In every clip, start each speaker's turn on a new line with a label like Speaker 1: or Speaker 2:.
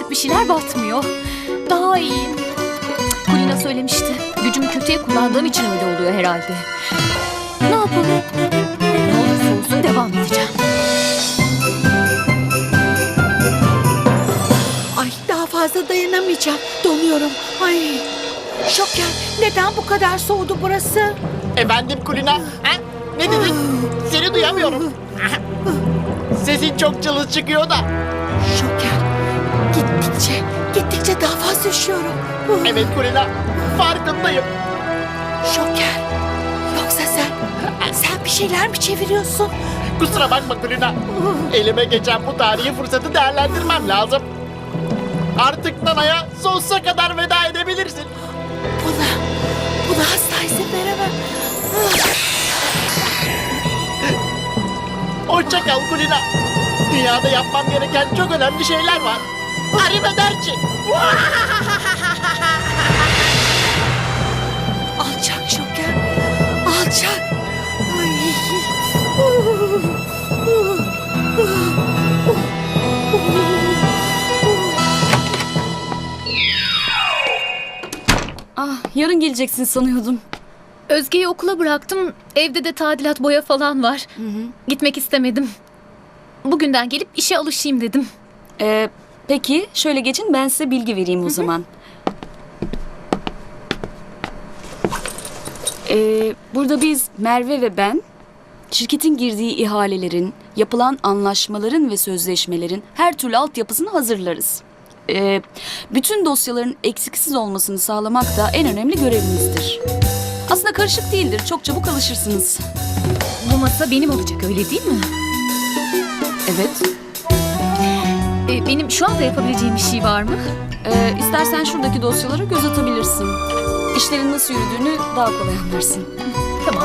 Speaker 1: küçük bir şeyler batmıyor. Daha iyiyim. Kulina söylemişti. Gücümü kötüye kullandığım için öyle oluyor herhalde. Ne yapalım? Ne olursa olsun devam edeceğim.
Speaker 2: Ay daha fazla dayanamayacağım. Donuyorum. Ay. Şoker, neden bu kadar soğudu burası?
Speaker 3: Efendim Kulina? Ha? Ne dedin? Seni duyamıyorum. Sesin çok cılız çıkıyor da.
Speaker 2: Şoker, gittikçe daha fazla üşüyorum.
Speaker 3: Evet Kulina, farkındayım.
Speaker 2: Şoker, yoksa sen bir şeyler mi çeviriyorsun?
Speaker 3: Kusura bakma Kulina. Elime geçen bu tarihi fırsatı değerlendirmem lazım. Artık Nana'ya sonsuza kadar veda edebilirsin.
Speaker 2: Buna asla izin veremem.
Speaker 3: Hoşça kal Kulina. Dünyada yapmam gereken çok önemli şeyler var. Arrivederci.
Speaker 2: Alçak Şoker, alçak. Ay.
Speaker 4: Yarın geleceksin sanıyordum.
Speaker 1: Özge'yi okula bıraktım. Evde de tadilat, boya falan var. Gitmek istemedim. Bugünden gelip işe alışayım dedim.
Speaker 4: Peki şöyle geçin, ben size bilgi vereyim o zaman. Burada biz Merve ve ben şirketin girdiği ihalelerin, yapılan anlaşmaların ve sözleşmelerin her türlü altyapısını hazırlarız. Bütün dosyaların eksiksiz olmasını sağlamak da en önemli görevimizdir. Aslında karışık değildir, çok çabuk alışırsınız.
Speaker 1: Bu masa benim olacak, öyle değil mi?
Speaker 4: Evet.
Speaker 1: Benim şu anda yapabileceğim bir şey var mı?
Speaker 4: İstersen şuradaki dosyalara göz atabilirsin. İşlerin nasıl yürüdüğünü daha kolay anlarsın.
Speaker 1: Tamam.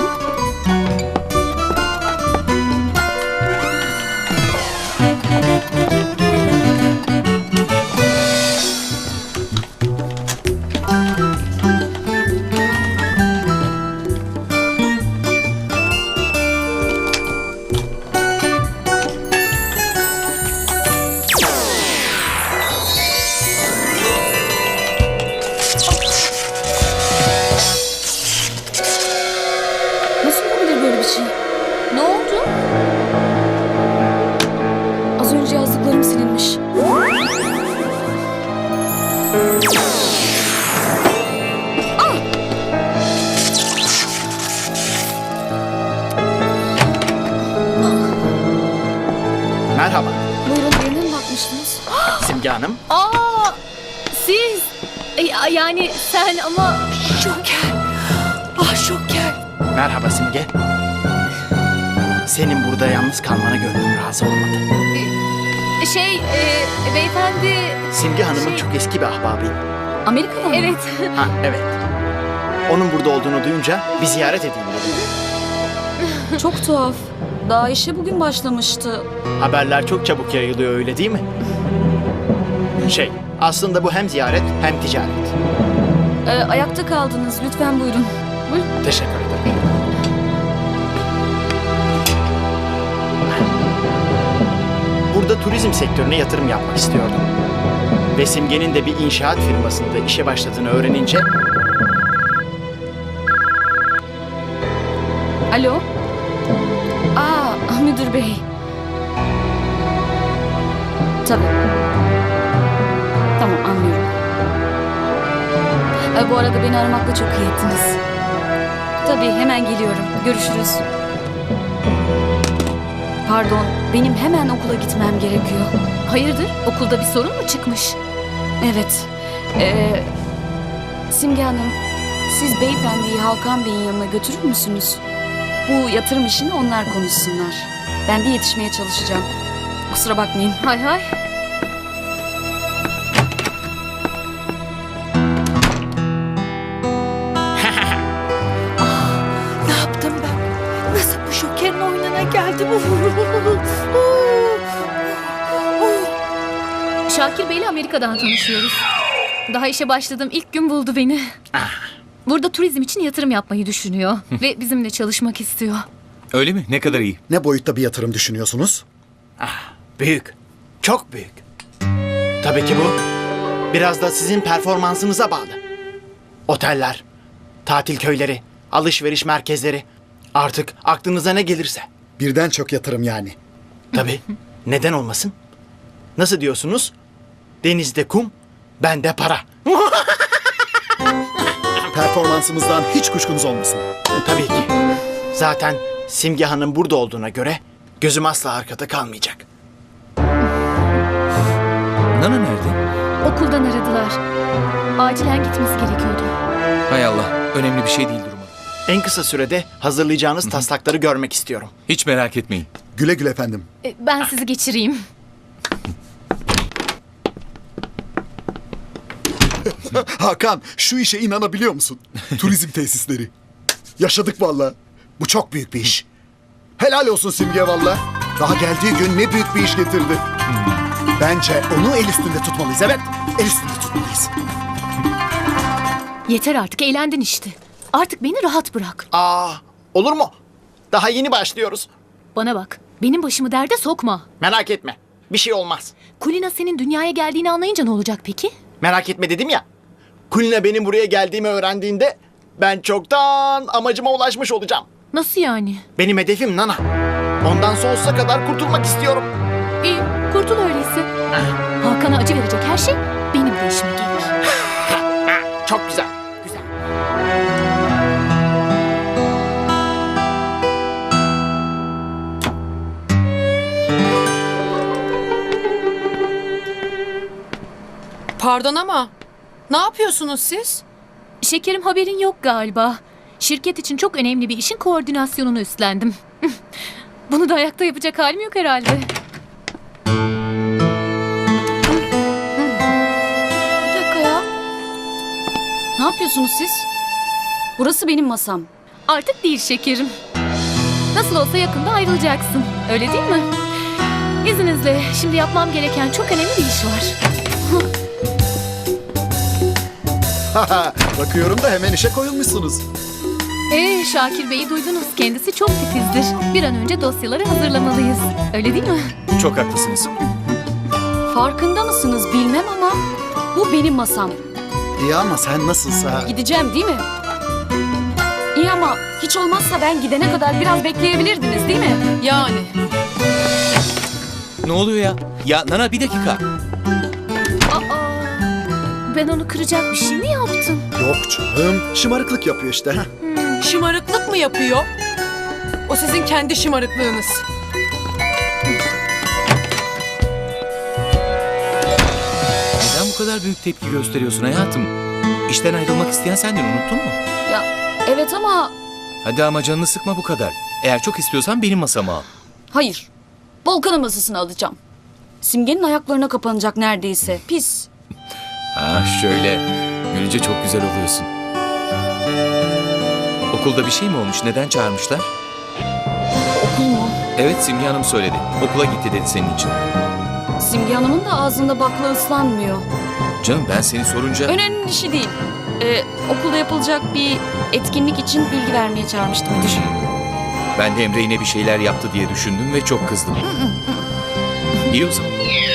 Speaker 4: Nasıl olabilir böyle bir şey?
Speaker 1: Ne oldu?
Speaker 4: Az önce yazdıklarım silinmiş.
Speaker 3: Merhaba
Speaker 4: Buyurun, birine mi bakmıştınız?
Speaker 3: Simge Hanım.
Speaker 1: Aa, siz. Yani sen ama...
Speaker 2: Şoker, ah Şoker.
Speaker 3: Merhaba Simge. Senin burada yalnız kalmana gönlüm razı olmadı.
Speaker 1: Beyefendi...
Speaker 3: Simge Hanım'ın çok eski bir ahbabıyım.
Speaker 4: Amerika'da mı?
Speaker 1: Evet.
Speaker 3: Ha evet. Onun burada olduğunu duyunca bir ziyaret edeyim dedim.
Speaker 4: Çok tuhaf. Daha işe bugün başlamıştı.
Speaker 3: Haberler çok çabuk yayılıyor öyle değil mi? Aslında bu hem ziyaret hem ticaret.
Speaker 4: Ayakta kaldınız. Lütfen buyurun.
Speaker 3: Teşekkür ederim. Burada turizm sektörüne yatırım yapmak istiyordum. Ve Simge'nin de bir inşaat firmasında işe başladığını öğrenince...
Speaker 4: Alo? Müdür bey. Tabii. Tamam, anlıyorum. Bu arada beni aramakla çok iyi ettiniz. Tabii, hemen geliyorum. Görüşürüz. Pardon, benim hemen okula gitmem gerekiyor.
Speaker 1: Hayırdır? Okulda bir sorun mu çıkmış?
Speaker 4: Evet. Simge Hanım, siz beyefendiyi Hakan Bey'in yanına götürür müsünüz? Bu yatırım işini onlar konuşsunlar. Ben de yetişmeye çalışacağım. Kusura bakmayın.
Speaker 1: Hay hay.
Speaker 2: Ne yaptım ben? Nasıl bu Şoker'in oyununa geldim?
Speaker 1: Şakir Bey'le Amerika'dan tanışıyoruz. Daha işe başladığım ilk gün buldu beni. Burada turizm için yatırım yapmayı düşünüyor. Ve bizimle çalışmak istiyor.
Speaker 5: Öyle mi? Ne kadar iyi.
Speaker 6: Ne boyutta bir yatırım düşünüyorsunuz?
Speaker 3: Büyük. Çok büyük. Tabii ki bu Biraz da sizin performansınıza bağlı. Oteller, tatil köyleri, alışveriş merkezleri. Artık aklınıza ne gelirse.
Speaker 5: Birden çok yatırım yani.
Speaker 3: Tabii. Neden olmasın? Nasıl diyorsunuz? Denizde kum, bende para.
Speaker 5: Performansımızdan hiç kuşkunuz olmasın.
Speaker 3: Tabii ki. Zaten Simge Hanım burada olduğuna göre gözüm asla arkada kalmayacak.
Speaker 6: Nana nerede?
Speaker 1: Okuldan aradılar. Acilen gitmesi gerekiyordu.
Speaker 6: Hay Allah, önemli bir şey değil durumu.
Speaker 3: En kısa sürede hazırlayacağınız taslakları görmek istiyorum.
Speaker 6: Hiç merak etmeyin.
Speaker 5: Güle güle efendim.
Speaker 1: Ben sizi geçireyim.
Speaker 5: Hakan, şu işe inanabiliyor musun? Turizm tesisleri. Yaşadık valla. Bu çok büyük bir iş. Helal olsun Simge valla. Daha geldiği gün ne büyük bir iş getirdi. Bence onu el üstünde tutmalıyız. Evet, el üstünde tutmalıyız.
Speaker 1: Yeter artık, eğlendin işte. Artık beni rahat bırak.
Speaker 3: Olur mu? Daha yeni başlıyoruz.
Speaker 1: Bana bak, benim başımı derde sokma.
Speaker 3: Merak etme. Bir şey olmaz.
Speaker 1: Kulina senin dünyaya geldiğini anlayınca ne olacak peki?
Speaker 3: Merak etme dedim ya. Kulina benim buraya geldiğimi öğrendiğinde ben çoktan amacıma ulaşmış olacağım.
Speaker 1: Nasıl yani?
Speaker 3: Benim hedefim Nana. Ondan sonsuza kadar kurtulmak istiyorum.
Speaker 1: İyi, kurtul öyleyse. Hakan'a acı verecek her şey benim de işime gelir.
Speaker 3: Çok güzel. Güzel.
Speaker 7: Pardon ama ne yapıyorsunuz siz?
Speaker 1: Şekerim, haberin yok galiba. Şirket için çok önemli bir işin koordinasyonunu üstlendim. Bunu da ayakta yapacak halim yok herhalde.
Speaker 4: Bir dakika ya. Ne yapıyorsunuz siz? Burası benim masam.
Speaker 1: Artık değil şekerim. Nasıl olsa yakında ayrılacaksın. Öyle değil mi? İzninizle şimdi yapmam gereken çok önemli bir iş var.
Speaker 5: Bakıyorum da hemen işe koyulmuşsunuz.
Speaker 1: Şakir Bey'i duydunuz. Kendisi çok titizdir. Bir an önce dosyaları hazırlamalıyız. Öyle değil mi?
Speaker 6: Çok haklısınız.
Speaker 4: Farkında mısınız bilmem ama bu benim masam.
Speaker 5: İyi ama sen nasılsa...
Speaker 4: Gideceğim değil mi? İyi ama hiç olmazsa ben gidene kadar biraz bekleyebilirdiniz değil mi?
Speaker 7: Yani.
Speaker 6: Ne oluyor ya? Ya Nana bir dakika.
Speaker 1: Aa, ben onu kıracak bir şey mi yaptım?
Speaker 5: Yok canım, şımarıklık yapıyor işte. Ha?
Speaker 7: Şımarıklık mı yapıyor? O sizin kendi şımarıklığınız.
Speaker 6: Neden bu kadar büyük tepki gösteriyorsun hayatım? İşten ayrılmak isteyen sendin, unuttun mu?
Speaker 4: Ya evet ama
Speaker 6: Hadi ama canını sıkma bu kadar. Eğer çok istiyorsan benim masama al.
Speaker 4: hayır. Volkan'ın masasını alacağım. Simge'nin ayaklarına kapanacak neredeyse. Pis.
Speaker 6: Ha şöyle. Gülünce çok güzel oluyorsun. Okulda bir şey mi olmuş? Neden çağırmışlar?
Speaker 4: Okul mu?
Speaker 6: Evet, Simge Hanım söyledi. Okula gitti dedi senin için.
Speaker 4: Simge Hanım'ın da ağzında bakla ıslanmıyor.
Speaker 6: Canım ben seni sorunca...
Speaker 4: Önemli bir şey değil. Okulda yapılacak bir etkinlik için bilgi vermeye çağırmıştı müdür.
Speaker 6: Ben de Emre yine bir şeyler yaptı diye düşündüm ve çok kızdım. İyi o zaman.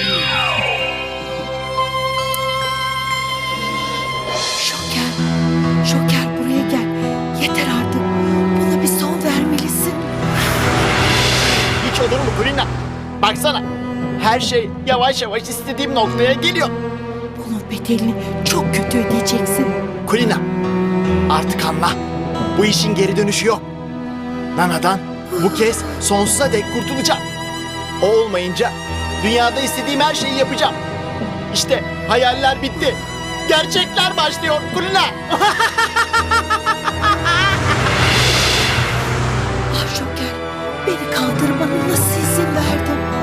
Speaker 2: Şoker, Şoker buraya gel. Yeter artık. Buna bir son vermelisin.
Speaker 3: Hiç olur mu Kulina? Baksana. Her şey yavaş yavaş istediğim noktaya geliyor.
Speaker 2: Bunun bedelini çok kötü ödeyeceksin.
Speaker 3: Kulina, artık anla. Bu işin geri dönüşü yok. Nana'dan bu kez sonsuza dek kurtulacağım. O olmayınca dünyada istediğim her şeyi yapacağım. İşte hayaller bitti. Gerçekler başlıyor Kulina.
Speaker 2: Ah Şoker, beni kandırmana nasıl izin verdin?